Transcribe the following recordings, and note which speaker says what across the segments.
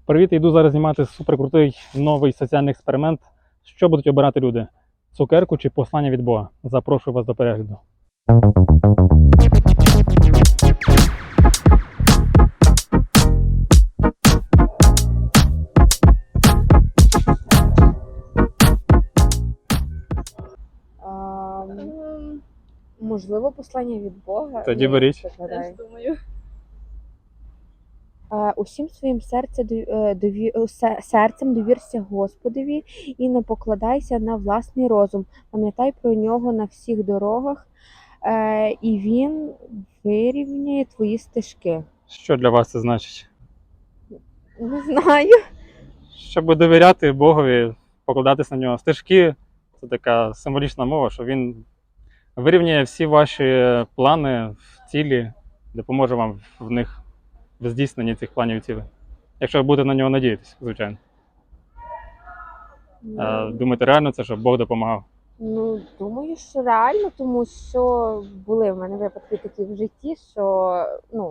Speaker 1: Привіт, йду зараз знімати суперкрутий новий соціальний експеримент. Що будуть обирати люди? Цукерку чи послання від Бога? Запрошую вас до перегляду.
Speaker 2: Можливо, послання від Бога.
Speaker 1: Тоді беріть.
Speaker 2: Теж
Speaker 3: думаю.
Speaker 2: Усім своїм серцем довірся Господові і не покладайся на власний розум. Пам'ятай про нього на всіх дорогах, і він вирівняє твої стежки.
Speaker 1: Що для вас це значить?
Speaker 2: Не знаю.
Speaker 1: Щоб довіряти Богові, покладатись на нього. Стежки – це така символічна мова, що він вирівняє всі ваші плани, цілі, допоможе вам в них в здійсненні цих планів і цілей. Якщо ви будете на нього надіятися, звичайно. Думаєте, реально це, щоб Бог допомагав?
Speaker 2: Ну, думаю, що реально, тому що були в мене випадки такі в житті, що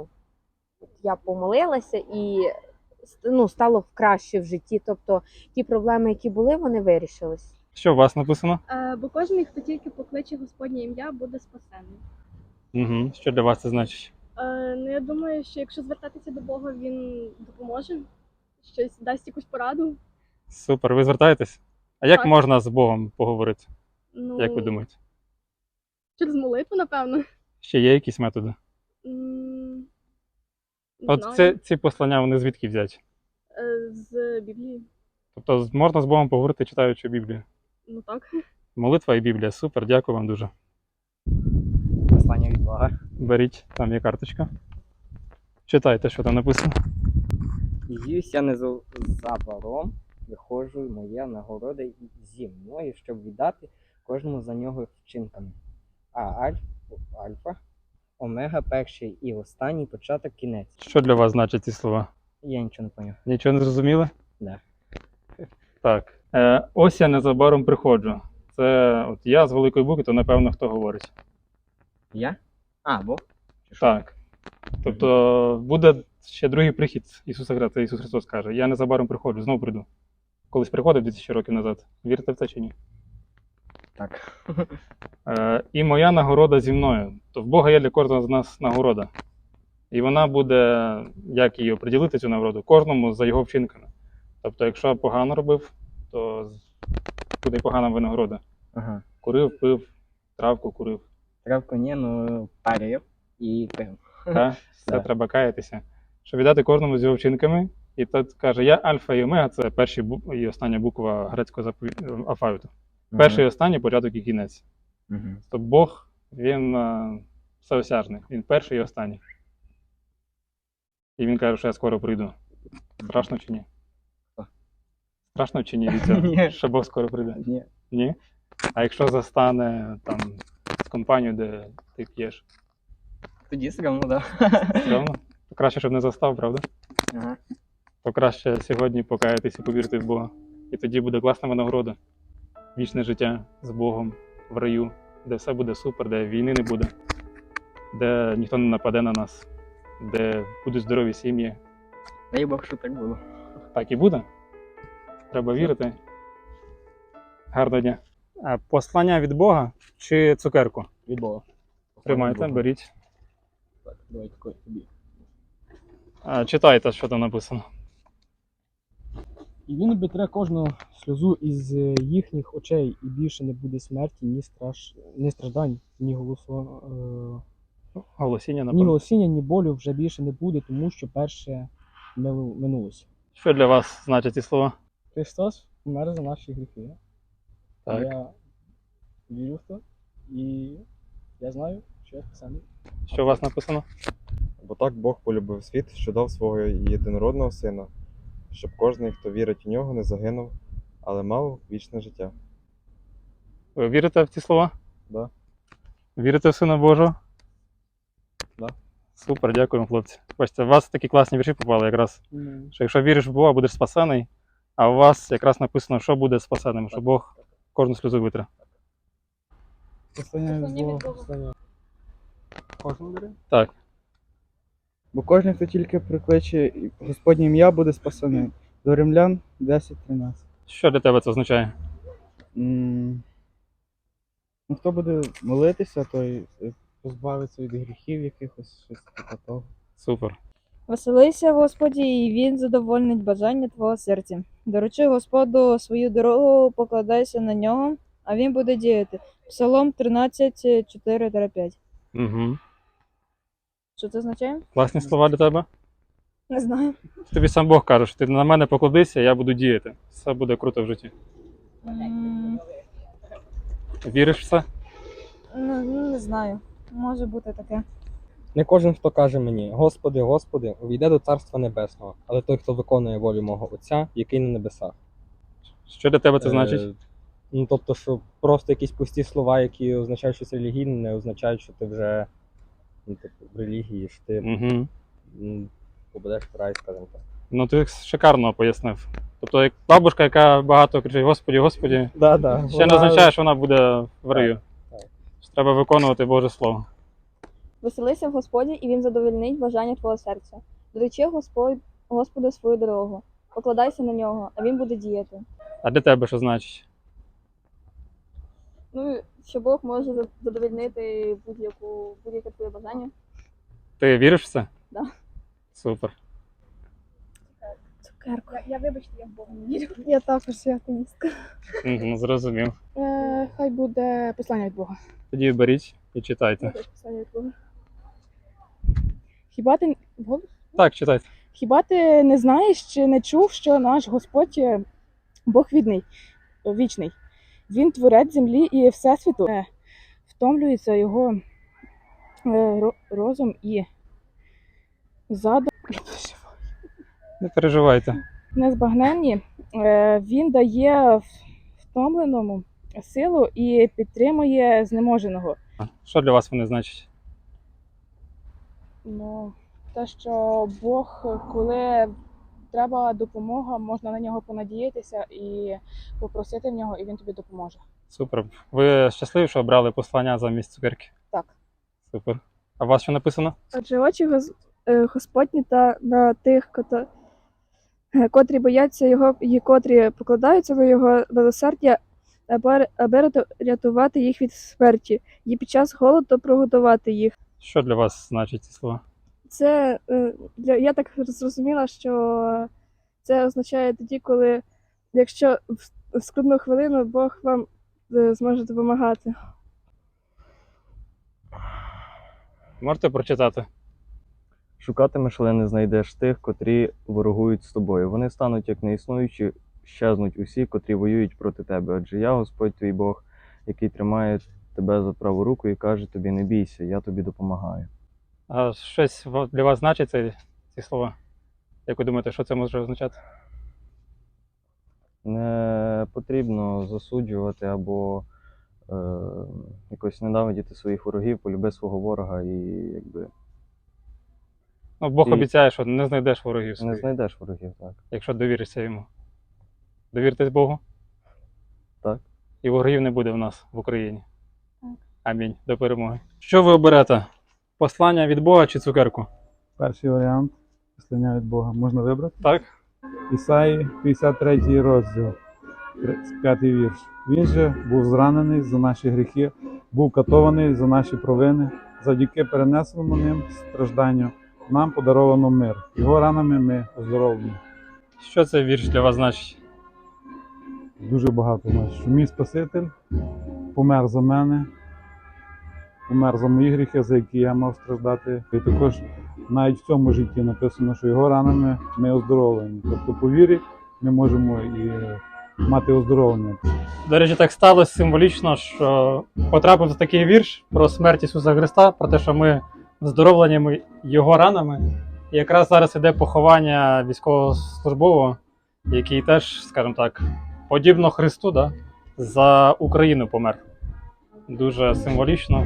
Speaker 2: я помолилася і стало краще в житті. Тобто ті проблеми, які були, вони вирішились.
Speaker 1: Що у вас написано?
Speaker 3: Бо кожен, хто тільки покличе Господнє ім'я, буде спасений.
Speaker 1: Угу. Що для вас це значить?
Speaker 3: Я думаю, що якщо звертатися до Бога, він допоможе, щось дасть якусь пораду.
Speaker 1: Супер, ви звертаєтесь? А як
Speaker 3: Так.
Speaker 1: можна з Богом поговорити?
Speaker 3: Ну,
Speaker 1: Як ви думаєте?
Speaker 3: через молитву, напевно.
Speaker 1: Ще є якісь методи?
Speaker 3: Не
Speaker 1: От
Speaker 3: знаю.
Speaker 1: ці послання, вони звідки взяті?
Speaker 3: З Біблії.
Speaker 1: Тобто можна з Богом поговорити, читаючи Біблію?
Speaker 3: Ну так.
Speaker 1: Молитва і Біблія. Супер, дякую вам дуже.
Speaker 4: Послання від Бога.
Speaker 1: Беріть, там є карточка. Читайте, що там написано.
Speaker 4: «Їюся незабаром, виходжу, моя нагорода зі мною, щоб віддати кожному за нього вчинками. Альфа, омега, перший і останній, початок, кінець».
Speaker 1: Що для вас значать ці слова?
Speaker 4: Я нічого не поняв.
Speaker 1: Нічого не зрозуміли?
Speaker 4: Да.
Speaker 1: Так. Ось я незабаром приходжу. Це от я з великої букви, то напевно хто говорить.
Speaker 4: Я? Бог? Чи що?
Speaker 1: Так. Тобто буде ще другий прихід Ісуса Христа. Це Ісус Христос каже: я незабаром приходжу, знову прийду. Колись приходив 2000 років назад. Вірите в це чи ні?
Speaker 4: Так.
Speaker 1: І моя нагорода зі мною. То в Бога є для кожного з нас нагорода. І вона буде, як її оприділити, цю нагороду, кожному за його вчинками. Тобто, якщо погано робив, то буде й погана винагорода.
Speaker 4: Ага.
Speaker 1: Курив, пив, травку курив.
Speaker 4: Травку ні, парив і пив.
Speaker 1: Та? Все
Speaker 4: Да.
Speaker 1: треба каятися. Щоб віддати кожному з його вчинками. І тут каже: я альфа і омега, це перша і остання буква грецького алфавіту. Перший і останній, початок і кінець. Тобто Бог, він всеосяжний. Він перший і останній. І він каже, що я скоро прийду. Страшно чи ні? Страшно чи ні від цього?
Speaker 4: Ні.
Speaker 1: Що Бог скоро прийде?
Speaker 4: Ні.
Speaker 1: Ні? А якщо застане там з компанією, де ти п'єш?
Speaker 4: Тоді стрімно, да.
Speaker 1: Стрьомно? То краще, щоб не застав, правда?
Speaker 4: Ага.
Speaker 1: То краще сьогодні покаятися і повірити в Бога. І тоді буде класна винагорода. Вічне життя з Богом в раю, де все буде супер, де війни не буде, де ніхто не нападе на нас, де будуть здорові сім'ї.
Speaker 4: Дай Бог, що так було.
Speaker 1: Так і буде. Треба вірити. Гарного дня. Послання від Бога чи цукерку?
Speaker 4: Від Бога.
Speaker 1: Тримайте, беріть.
Speaker 4: Так, давай такой тобі.
Speaker 1: Читайте, що там написано.
Speaker 5: І він обітре кожну сльозу із їхніх очей, і більше не буде смерті, ні страждань, ні
Speaker 1: Голосіння,
Speaker 5: ні
Speaker 1: напевно.
Speaker 5: голосіння, ні болю вже більше не буде, тому що перше минулося.
Speaker 1: Що для вас значать ці слова?
Speaker 5: Христос помер за наші гріхи.
Speaker 1: Так.
Speaker 5: Я вірю в це, і я знаю, що я спасений.
Speaker 1: Що у вас написано?
Speaker 6: Бо так Бог полюбив світ, що дав свого єдинородного сина, щоб кожен, хто вірить в нього, не загинув, але мав вічне життя.
Speaker 1: Ви вірите в ці слова?
Speaker 6: Да.
Speaker 1: Вірите в Сина Божого?
Speaker 6: Да.
Speaker 1: Супер, дякуємо, хлопці. Бачите, у вас такі класні вірші попали якраз. Що якщо віриш в Бога, будеш спасений, а у вас якраз написано, що буде спасеним, що Бог кожну сльозу витре.
Speaker 5: Послання
Speaker 3: Послання від Бога.
Speaker 5: послання. Кожен бере?
Speaker 1: Так.
Speaker 7: Бо кожен, хто тільки прикличе Господнє ім'я, буде спасений. До Римлян 10:13.
Speaker 1: Що для тебе це означає?
Speaker 7: Ну, хто буде молитися, той позбавиться від гріхів якихось, щось типу того.
Speaker 1: Супер.
Speaker 8: Веселися, Господі, і він задовольнить бажання твого серця. Доручи Господу свою дорогу, покладайся на нього, а він буде діяти. Псалом 13:4-5.
Speaker 1: Угу.
Speaker 8: Що це означає?
Speaker 1: Класні слова для тебе.
Speaker 8: Не знаю.
Speaker 1: Тобі сам Бог каже, що ти на мене покладися, я буду діяти. Все буде круто в житті. Віриш в це?
Speaker 8: Не знаю. Може бути таке.
Speaker 9: Не кожен, хто каже мені: Господи, Господи, увійде до Царства Небесного, але той, хто виконує волю мого Отця, який на небесах.
Speaker 1: Що для тебе це значить?
Speaker 9: Ну, тобто, що просто якісь пусті слова, які означають щось релігійне, не означають, що ти вже в релігії, що ти попадеш в рай, скажімо так.
Speaker 1: Ну ти шикарно пояснив. Тобто, як бабушка, яка багато кричить Господі, Господі, ще не означає, що вона буде в раю.
Speaker 9: Так.
Speaker 1: Треба виконувати Боже Слово.
Speaker 10: Веселися в Господі, і він задовольнить бажання твого серця. Доручи Господу свою дорогу, покладайся на нього, а він буде діяти.
Speaker 1: А для тебе що значить?
Speaker 10: Ну, що Бог може задовольнити будь-яке твоє бажання.
Speaker 1: Ти віриш в це?
Speaker 10: Да.
Speaker 1: Супер.
Speaker 8: Цукерку.
Speaker 3: Я вибачте, я в Бога не вірю.
Speaker 8: Я також атеїстка.
Speaker 1: Угу, зрозумів.
Speaker 8: Хай буде послання від Бога.
Speaker 1: Тоді беріть і читайте.
Speaker 8: Послання від Бога. Хіба ти
Speaker 1: Так, читайте.
Speaker 8: Хіба ти не знаєш чи не чув, що наш Господь Бог вічний? Він творець землі і всесвіту. Втомлюється його розум і задум
Speaker 1: Не переживайте.
Speaker 8: незбагненні. Він дає втомленому силу і підтримує знеможеного.
Speaker 1: Що для вас вони значать?
Speaker 8: Ну, те, що Бог, коли треба допомога, можна на нього понадіятися і попросити в нього, і він тобі допоможе.
Speaker 1: Супер. Ви щасливі, що обрали послання замість цукерки?
Speaker 8: Так.
Speaker 1: Супер. А у вас що написано?
Speaker 3: Адже очі Господні та на тих, котрі бояться його і котрі покладаються на його милосердя, аби рятувати їх від смерті, і під час голоду прогодувати їх.
Speaker 1: Що для вас значить ці слова?
Speaker 3: Це я так зрозуміла, що це означає тоді, коли якщо в скрутну хвилину Бог вам зможе допомагати.
Speaker 1: Можете прочитати?
Speaker 11: Шукатимеш, але не знайдеш тих, котрі ворогують з тобою. Вони стануть як неіснуючі, щезнуть усі, котрі воюють проти тебе. Адже я, Господь твій Бог, який тримає тебе за праву руку і каже тобі: не бійся, я тобі допомагаю.
Speaker 1: А щось для вас значить ці слова? Як ви думаєте, що це може означати?
Speaker 11: Не потрібно засуджувати або якось ненавидіти своїх ворогів, полюби свого ворога і якби.
Speaker 1: Ну, Бог
Speaker 11: І-
Speaker 1: обіцяє, що не знайдеш ворогів
Speaker 11: Не
Speaker 1: своїх,
Speaker 11: знайдеш ворогів, так.
Speaker 1: якщо довіришся йому. Довіртесь Богу?
Speaker 11: Так.
Speaker 1: І ворогів не буде в нас в Україні. Амінь. До перемоги. Що ви оберете? Послання від Бога чи цукерку?
Speaker 12: Перший варіант послання від Бога. Можна вибрати?
Speaker 1: Так?
Speaker 12: Ісаї, 53 розділ, 5 вірш. Він же був зранений за наші гріхи, був катований за наші провини, завдяки перенесеному ним стражданню нам подаровано мир. Його ранами ми оздоровлені.
Speaker 1: Що цей вірш для вас значить?
Speaker 12: Дуже багато значить, що мій Спаситель помер за мене, помер за мої гріхи, за які я мав страждати. І також навіть в цьому житті написано, що його ранами ми оздоровлені. Тобто по вірі ми можемо і мати оздоровлення.
Speaker 1: До речі, так сталося символічно, що потрапив такий вірш про смерть Ісуса Христа, про те, що ми оздоровлені його ранами. І якраз зараз іде поховання військовослужбового, який теж, скажімо так, подібно Христу, да, за Україну помер. Дуже символічно.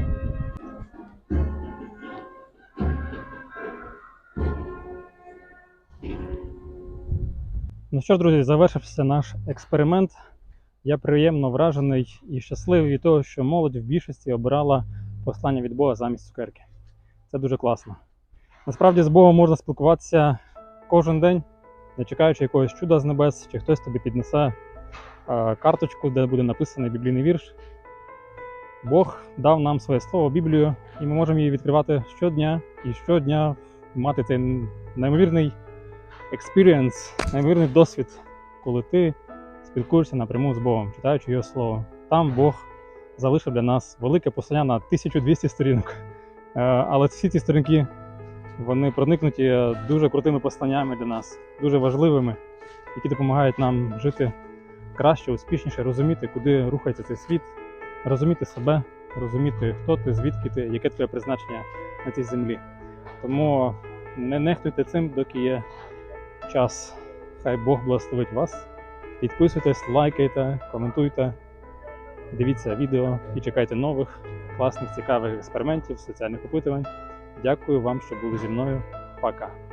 Speaker 1: Ну що ж, друзі, завершився наш експеримент. Я приємно вражений і щасливий від того, що молодь в більшості обирала послання від Бога замість цукерки. Це дуже класно. Насправді з Богом можна спілкуватися кожен день, не чекаючи якогось чуда з небес, чи хтось тобі піднесе карточку, де буде написаний біблійний вірш. Бог дав нам своє слово, Біблію, і ми можемо її відкривати щодня і щодня мати цей неймовірний experience, неймовірний досвід, коли ти спілкуєшся напряму з Богом, читаючи Його Слово. Там Бог залишив для нас велике послання на 1200 сторінок. Але всі ці сторінки, вони проникнуті дуже крутими посланнями для нас, дуже важливими, які допомагають нам жити краще, успішніше, розуміти, куди рухається цей світ, розуміти себе, розуміти, хто ти, звідки ти, яке твоє призначення на цій землі. Тому не нехтуйте цим, доки є час. Хай Бог благословить вас. Підписуйтесь, лайкайте, коментуйте, дивіться відео і чекайте нових класних, цікавих експериментів, соціальних опитувань. Дякую вам, що були зі мною. Пока!